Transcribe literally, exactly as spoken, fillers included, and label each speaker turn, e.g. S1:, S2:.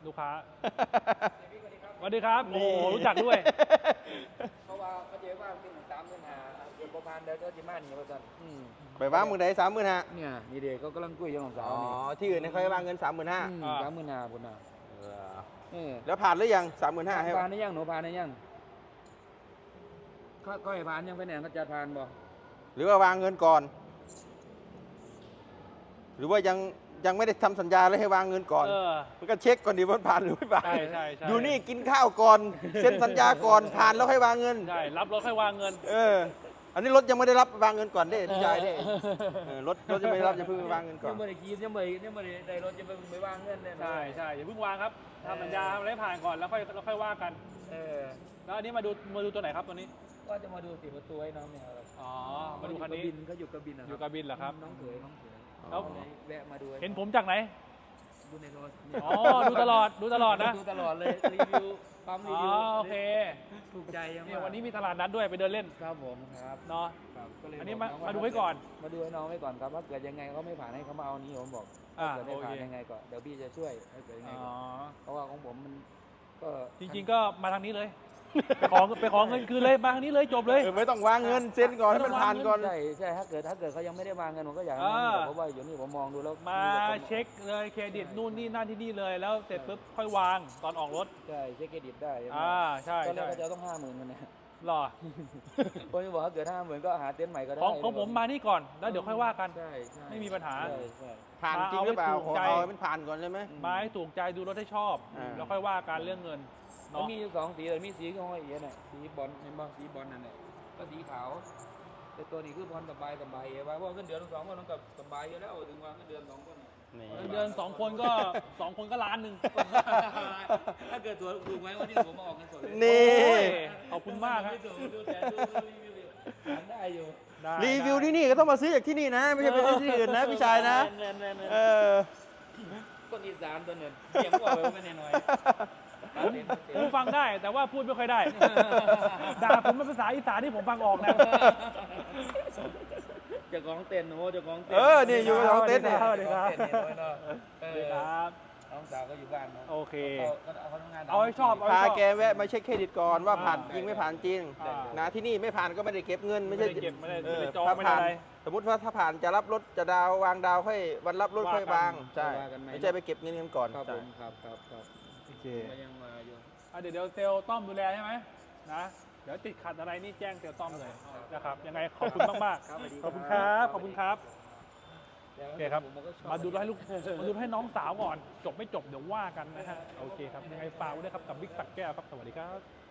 S1: ลูกค้าสวัสดีครับโอ้รู้จักด้วย
S2: เพราะว่าเขาเจอว่าเป็นสามหมื่นห้าเดือนประมาณเดือนก็จะมาหนีมาจน
S3: ไปว่างมือไหนสามหมื่นห้า
S2: เนี่ยนี่เด็กเขากำลังคุยกับของสา
S3: อ๋
S2: ว
S3: อ
S2: นี่
S3: ที่อื่นเนี่ยเขาให้วางเงินสามหมื่นห้า
S2: สามหมื่นห้าคนน่ะเออ
S3: แล้วผ่านหรือยังสามหมื่นห้าให้
S2: ผ่านได้ยังหนูผ่านได้ยังเขาก็ให้ผ่านยังไปไหนเขาจะผ่านบ่
S3: หรือว่าวางเงินก่อน หรือว่ายังยังไม่ได้ทำสัญญาเลยให้วางเงินก่อน
S1: เออ
S3: มันก็เช็คก่อนดีว่าผ่านหรือไม่ผ่าน
S1: ใช่ใช่ใช่
S3: อยู่นี่กินข้าวก่อนเซ็นสัญญาก่อนผ่านแล้วให้วางเงิน
S1: ใช่รับรถค่อยวางเงิน
S3: เออ อันนี้รถยังไม่ได้รับวางเงินก่อนเด้พี่ชายเด้เออรถรถยังไม่ได้รับจะเพิ่งไปวางเงินก่อน
S2: ยังไม่ได้กินยังไม่ยังไม่ได้ได้รถจะไปไปวางเงินเลย
S1: ใช่ใช่อย่าเพิ่งวางครับทำสัญญาทำอะไรให้ผ่านก่อนแล้วค่อยแล้วค่อยว่ากัน
S2: เออ
S1: แล้วอันนี้มาดูมาดูตัวไหนครับตัวนี้
S2: ก็จะมาดูสีประตูให้น้องเนี่ยครับ
S1: อ๋อมาดูคันนี้
S2: เขาอยู่กระบิน
S1: อยู่กระบินเหรอครับ
S2: น้องเขยน้องเขย
S1: แล้ว
S2: แวะมาดู
S1: เห็นผมจากไหน
S2: ดูในโทรศัพท์
S1: อ๋อดูตลอดดูตลอดนะ
S2: ดูตลอดเลยรีวิวปั๊มรี
S1: อ๋อ
S2: วิว
S1: โอเค
S2: ถูกใจยัง
S1: เนี่ยวันนี้มีตลาดนัดด้วยไปเดินเล่น
S2: ครับผมครับ
S1: เนาะ
S2: ครับก็เลย
S1: อันนี้
S2: บ
S1: มา
S2: อง
S1: มาดูไว้ก่อน
S2: มาดูให้น้องไว้ก่อนครับว่าเกิดยังไงเขาไม่ผ่านให้เขามาเอานี้ผมบอก
S1: อ่า
S2: ถ้าเกิดไม่ผ่าน
S1: โอเค
S2: ยังไงก็เดี๋ยวพี่จะช่วยถ้าเกิดยังไง
S1: อ๋อ
S2: ก็เพราะว่าของผมมันก็
S1: จริงๆก็มาทางนี้เลย ไปขอไปขอเงินคืนเลยมาทางนี้เลยจบเลย
S3: เออไม่ต้องวางเงินเซ็นก่อนให้มันผ่านก่อน
S2: ใช่ใช่ถ้าเกิดถ้าเกิดเขายังไม่ได้วางเงินผมก็อยากให้
S1: อ่า
S2: น้องมีเพราะว่าอยู่นี่ผมมองดูแล้ว
S1: มาเช็คเลยเครดิตนู่นนี่นั่นที่นี่เลยแล้วเสร็จปุ๊บค่อยวางตอนออกรถ
S2: ใช่เช็คเครดิตได้ใช่ไหม
S1: อ่าใช่
S2: ตอนแรก
S1: ใช่
S2: ก็จะต้องห้าหมื่นมันเนี่ย
S1: หรอ
S2: ผมจะบอกถ้าเกิดห้าหมื่นก็หาเต็นท์ใหม่ก็ได้
S1: ของของผมมานี่ก่อนแล้วเดี๋ยวค่อยว่ากัน
S2: ใช่ใช่
S1: ไม่มีปัญหา
S2: ใช่ใช่
S3: ผ่านจริงหรือเปล่า
S1: เอาให้ถู
S3: ขอก
S1: ใจ
S3: เอาให้มันผ่านก่อนใช่ไหม
S1: มาให้ถูกใจดูรถให้ชอบ
S3: อ่า
S1: แล้วค่อยว่าการเรื่องเงิน
S2: มัน
S1: เนาะ
S2: มีอยู่สองสีเลยมีสีก็ห้อยเอียน่ะสีบอลเห็นบ่สีบอลนั่นแหละก็สีขาวแต่ตัวนี้คือพรสบายสบายเอว่าเพราะว่าเงินเดือนสองคนต้องกับสบายอยู่แล้วถึงว่าเงินเดือนสองคนน่ะ
S3: นี่
S1: เงินเดือนสองคนก็สองคนก็ล้านหนึ่ง
S2: ถ้าเกิดตัวถูกไหมวันนี้ผมมาออกเงินสดเลย
S3: นี่
S1: โอ้ยขอบคุณมากครับ
S2: ไม่ถูกดูแต่ดูรีวิวอยู่หาได้อยู่
S1: ได้
S3: รีวิว
S1: ได้
S3: ที่นี่ก็ต้องมาซื้อจากที่นี่นะ ไม่ใช่ไปซื้อที่อื่นนะพี่ชายนะ
S2: แน่นแน่นแน่น
S3: เออ
S2: คนอีสานตัวหนึ่งเสียงกว่าไปไม่แน่น้อย
S1: ผมฟังได้แต่ว่าพูดไม่ค่อยได้ ด่าผมเป็นภาษาอีสานที่ผมฟังออกนะ
S2: เจ้าของเต็นท์โอ้เจ้าของเต็น
S3: เออนี่อยู่กับน้องเต้นเนี่ย
S1: สวัสดีครับ
S2: เจ้าของเต็นท์เนี่ยเนาะเอ
S1: สวัสดี
S2: อ
S1: ครับ
S2: น้องสาวก็อยู่บ้านเนาะ
S1: โอเค
S2: เขาเขาทำงาน
S1: เอาให้ชอบเอา
S3: พาแกแวะมาเช็คเครดิตก่อนว่าผ่านจริงไม่ผ่านจริง
S1: อ่า
S3: นะที่นี่ไม่ผ่านก็ไม่ได้เก็บเงินไม่ใช่
S1: ไม่ได้เก็บไม่ได้
S3: เออ
S1: ไม่ได้จอง
S3: ถ้า
S1: ไม่ได้
S3: ผ่าน
S1: อะไร
S3: สมมติว่าถ้าผ่านจะรับรถจะดาววางดาวค่อยวันรับรถค่อยวาง
S1: ว่ากัน
S3: ใช่
S2: ว่ากันไหม
S3: ไม่ใช่ไปเก็บเงินกันก่อน
S2: ครับผ
S3: ใช่
S2: มครับครับครับ
S3: โอเค
S2: ก็ยังมาอยู่
S1: อ่ะเดี๋ยวเดี๋ยวเซลล์ต้อมดูแลใช่ไหมนะเดี๋ยวติดขัดอะไรนี่แจ้งเซลล์ต้อมเลยนะครับยังไงขอบคุณมาก
S2: ครับสวัสดี
S1: ๆขอบคุณครับขอบคุณครับ
S2: แล้ว
S1: โอเคครับ
S2: ผมก็ชอบ
S1: มาดูให้ลูกมาดูให้น้องสาวก่อน จบไม่จบเดี๋ยวว่ากันนะฮะโอเคครับยังไงฝากไว้ด้วยครับกับบิ๊กสักแก้วครับสวัสดีครับ